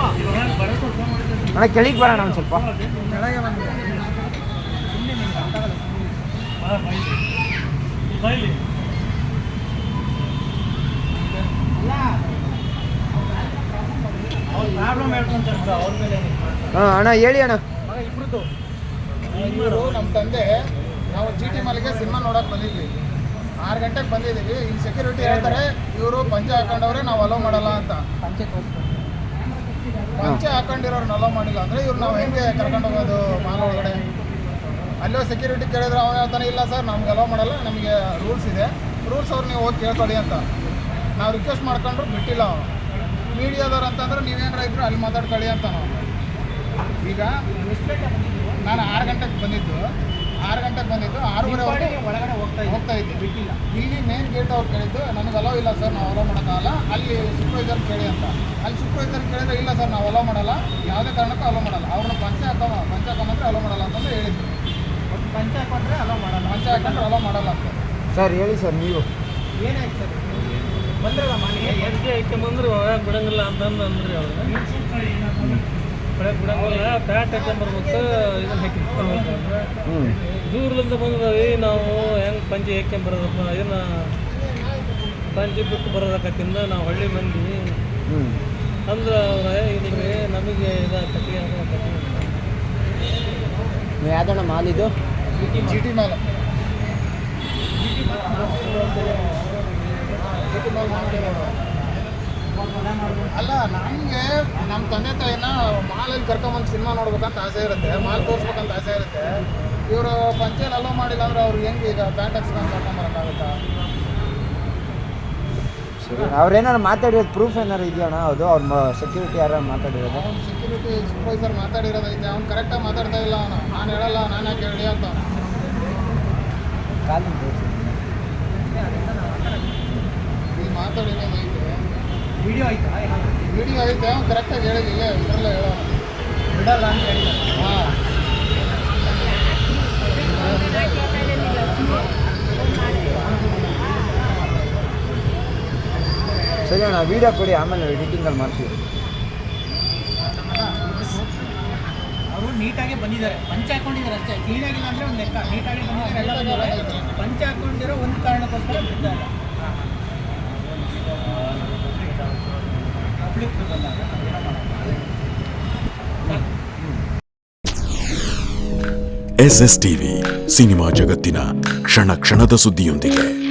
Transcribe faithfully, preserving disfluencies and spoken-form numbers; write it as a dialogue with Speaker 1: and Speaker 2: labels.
Speaker 1: ಅಣ್ಣ ಕೆಳಗೆ ಬರೋಣ ಒಂದು ಸ್ವಲ್ಪ
Speaker 2: ಕೆಳಗೆ ಬಂದು
Speaker 1: ಹಾಂ ಅಣ್ಣ ಹೇಳಿ ಅಣ್ಣ.
Speaker 2: ಇಬ್ಬರದ್ದು ಇವರು ನಮ್ಮ ತಂದೆ ನಾವು ಜಿ ಟಿ ಮಾಲಿಗೆ ಸಿನಿಮಾ ನೋಡೋಕೆ ಬಂದಿದ್ವಿ. ಆರು ಗಂಟೆಗೆ ಬಂದಿದ್ದೀವಿ. ಇಲ್ಲಿ ಸೆಕ್ಯೂರಿಟಿ ಹೇಳ್ತಾರೆ ಇವರು ಪಂಚೆ ಹಾಕೊಂಡವ್ರೆ ನಾವು ಅಲೋ ಮಾಡಲ್ಲ ಅಂತ. ಪಂಚೆ ಹಾಕೊಂಡಿರೋರು ಅಲೋ ಮಾಡಿಲ್ಲ ಅಂದರೆ ಇವ್ರು ನಾವು ಹೆಂಗೆ ಕರ್ಕೊಂಡು ಹೋಗೋದು ಮಾಲ್ ಒಳಗಡೆ? ಅಲ್ಲೋ ಸೆಕ್ಯೂರಿಟಿ ಕೇಳಿದ್ರೆ ಅವನು ಹೇಳ್ತಾನೆ ಇಲ್ಲ ಸರ್ ನಮ್ಗೆ ಅಲೋ ಮಾಡಲ್ಲ, ನಮಗೆ ರೂಲ್ಸ್ ಇದೆ, ರೂಲ್ಸ್ ಅವ್ರು ನೀವು ಹೋಗಿ ಕೇಳ್ಕೊಳ್ಳಿ ಅಂತ. ನಾವು ರಿಕ್ವೆಸ್ಟ್ ಮಾಡ್ಕೊಂಡ್ರು ಬಿಟ್ಟಿಲ್ಲ ಅವನು. ಮೀಡಿಯಾದವ್ರು ಅಂತಂದ್ರೆ ನೀವೇನಾರ ಇದ್ರು ಅಲ್ಲಿ ಮಾತಾಡ್ಕೊಳ್ಳಿ ಅಂತ ನಾವು. ಈಗ ನಾನು ಆರು ಗಂಟೆಗೆ ಬಂದಿದ್ದು ಆರು ಗಂಟೆಗೆ ಬಂದಿದ್ದು ಆರೂವರೆ ಒಳಗಡೆ ಹೋಗ್ತಾ ಹೋಗ್ತಾ ಇದ್ದೆ ಬಿಟ್ಟಿಲ್ಲ. ಇಲ್ಲಿ ಮೇನ್ ಗೇಟ್ ಅವ್ರು ಕೇಳಿದ್ದು ನನಗೆ ಅಲೋ ಇಲ್ಲ ಸರ್ ನಾವು ಅಲೋ ಮಾಡೋಕ್ಕಾಗಲ್ಲ, ಅಲ್ಲಿ ಸೂಪರ್ವೈಸರ್ ಕೇಳಿ ಅಂತ. ಅಲ್ಲಿ ಸೂಪರ್ವೈಸರ್ ಕೇಳಿದ್ರೆ ಇಲ್ಲ ಸರ್ ನಾವು ಅಲೋ ಮಾಡಲ್ಲ, ಯಾವುದೇ ಕಾರಣಕ್ಕೂ ಅಲೋ ಮಾಡಲ್ಲ, ಅವ್ರನ್ನ ಪಂಚೆ ಹಾಕೋ ಪಂಚೆ ಹಾಕೊಂಡ್ರೆ ಅಲೋ ಮಾಡಲ್ಲ ಅಂತಂದು ಹೇಳಿದ್ರು. ಒಟ್ಟು ಪಂಚೆ ಹಾಕೊಂಡ್ರೆ ಅಲೋ ಮಾಡಲ್ಲ, ಪಂಚೆ ಹಾಕೊಂಡ್ರೆ ಅಲೋ ಮಾಡಲ್ಲ ಅಂತ. ಸರ್ ಹೇಳಿ ಸರ್ ನೀವು ಏನಾಯ್ತು ಸರ್? ಬಂದ್ರಲ್ಲ ಮನೆಗೆ ಎಲ್ಲಿ ಐತೆ ಬಂದರು ಒಳಗೆ ಬಿಡಂಗಿಲ್ಲ ಅಂತಂದು ಅಂದ್ರಿ ಅವ್ರಿಗೆ. ಒಳಗೆ ಬಿಡಂಗಿಲ್ಲ, ಪ್ಯಾಂಟ್ ಹಾಕೊಂಬರ್ಬೇಕು, ಇದನ್ನು ಹಾಕಿರ್ಬೇಕು ಅಂದ್ರೆ ದೂರದಿಂದ ಬಂದದವಿ ನಾವು ಹೆಂಗೆ ಪಂಚೆ ಹಾಕ್ಕೊಂಬರೋದಪ್ಪ, ಇದನ್ನು ಪಂಚೆ ಬಿಟ್ಟು ಬರೋದಕ್ಕತ್ತಿಂದ ನಾವು ಹಳ್ಳಿ ಮಂದಿ ಅಂದ್ರೆ ಅವ್ರೆ ಇಲ್ರಿ ನಮಗೆ ಇದು ಕಟ್ಟಿ ಕಟ್ಟಿ
Speaker 1: ಯಾವ್ದಣ್ಣ ಮಾಲ್ ಇದು?
Speaker 2: G T mall. ಅಲ್ಲ ನಮಗೆ ನಮ್ಮ ತಂದೆ ತಾಯಿನ ಮಾಲಲ್ಲಿ ಕರ್ಕೊಂಬಂದು ಸಿನಿಮಾ ನೋಡ್ಬೇಕಂತ ಆಸೆ ಇರುತ್ತೆ, ಮಾಲ್ ತೋರಿಸ್ಬೇಕಂತ ಆಸೆ ಇರುತ್ತೆ. ಇವರು ಪಂಚೆಯಲ್ಲಿ ಅಲೋ ಮಾಡಿಲ್ಲ ಅಂದ್ರೆ ಅವ್ರಿಗೆ ಹೆಂಗೆ ಈಗ ಪ್ಯಾಂಟ್ ಹಾಕ್ಸ್ಕೊಂಡು ಕರ್ಕೊಂಬರೋಕ್ಕಾಗುತ್ತಾ?
Speaker 1: ಸರಿ ಅವ್ರೇನಾರು ಮಾತಾಡಿರೋದು ಪ್ರೂಫ್ ಏನಾರು ಇದೆಯಣ್ಣ? ಹೌದು ಅವ್ರ ಸೆಕ್ಯೂರಿಟಿ ಯಾರು ಮಾತಾಡಿರೋದು?
Speaker 2: ಅವ್ನು ಸೆಕ್ಯೂರಿಟಿ ಸೂಪರ್ವೈಸರ್ ಮಾತಾಡಿರೋದೈತೆ, ಅವ್ನು ಕರೆಕ್ಟಾಗಿ ಮಾತಾಡ್ತಾ ಇಲ್ಲ. ಅವನು ನಾನು ಹೇಳಲ್ಲ, ನಾನು ಯಾಕೆ ಹೇಳಿ ಅಂತ
Speaker 1: ಕಾಲಿನ
Speaker 2: ಇಲ್ಲಿ ಮಾತಾಡಿರೋದೈತೆ.
Speaker 3: ವಿಡಿಯೋ ಆಯ್ತಾ?
Speaker 2: ವಿಡಿಯೋ ಐತೆ, ಅವ್ನು ಕರೆಕ್ಟಾಗಿ ಹೇಳಿಲ್ಲ, ಇದರಲ್ಲೇ ಹೇಳೋಣ
Speaker 3: ಬಿಡಲ್ಲ ಅಂತ ಹೇಳಿ.
Speaker 2: ಹಾಂ
Speaker 1: ಸರಿ ಅಣ್ಣ ವೀಡಿಯೋ ಕೊಡಿ, ಆಮೇಲೆ ಎಡಿಟಿಂಗಲ್ಲಿ ಮಾಡ್ತೀವಿ.
Speaker 3: ಅವರು ನೀಟಾಗಿ ಬಂದಿದ್ದಾರೆ, ಪಂಚೆ ಹಾಕೊಂಡಿದ್ದಾರೆ ಅಷ್ಟೇ, ಕ್ಲೀನಾಗಿಲ್ಲ ಅಂದರೆ ಒಂದು ಲೆಕ್ಕ. ನೀಟಾಗಿ ಬಂದಿದ್ದಾರೆ, ಎಲ್ಲ ಬಂದಿದ್ದಾರೆ. ಪಂಚೆ ಹಾಕೊಂಡಿರೋ ಒಂದು ಕಾರಣಕ್ಕೋಸ್ಕರ ಬಿಟ್ಟಿದ್ದಾರೆ. ಪಬ್ಲಿಕ್ ಬಂದಾಗ
Speaker 4: ಎಸ್ ಎಸ್ ಟಿವಿ ಸಿನಿಮಾ ಜಗತ್ತಿನ ಕ್ಷಣ ಕ್ಷಣದ ಸುದ್ದಿಯೊಂದಿಗೆ.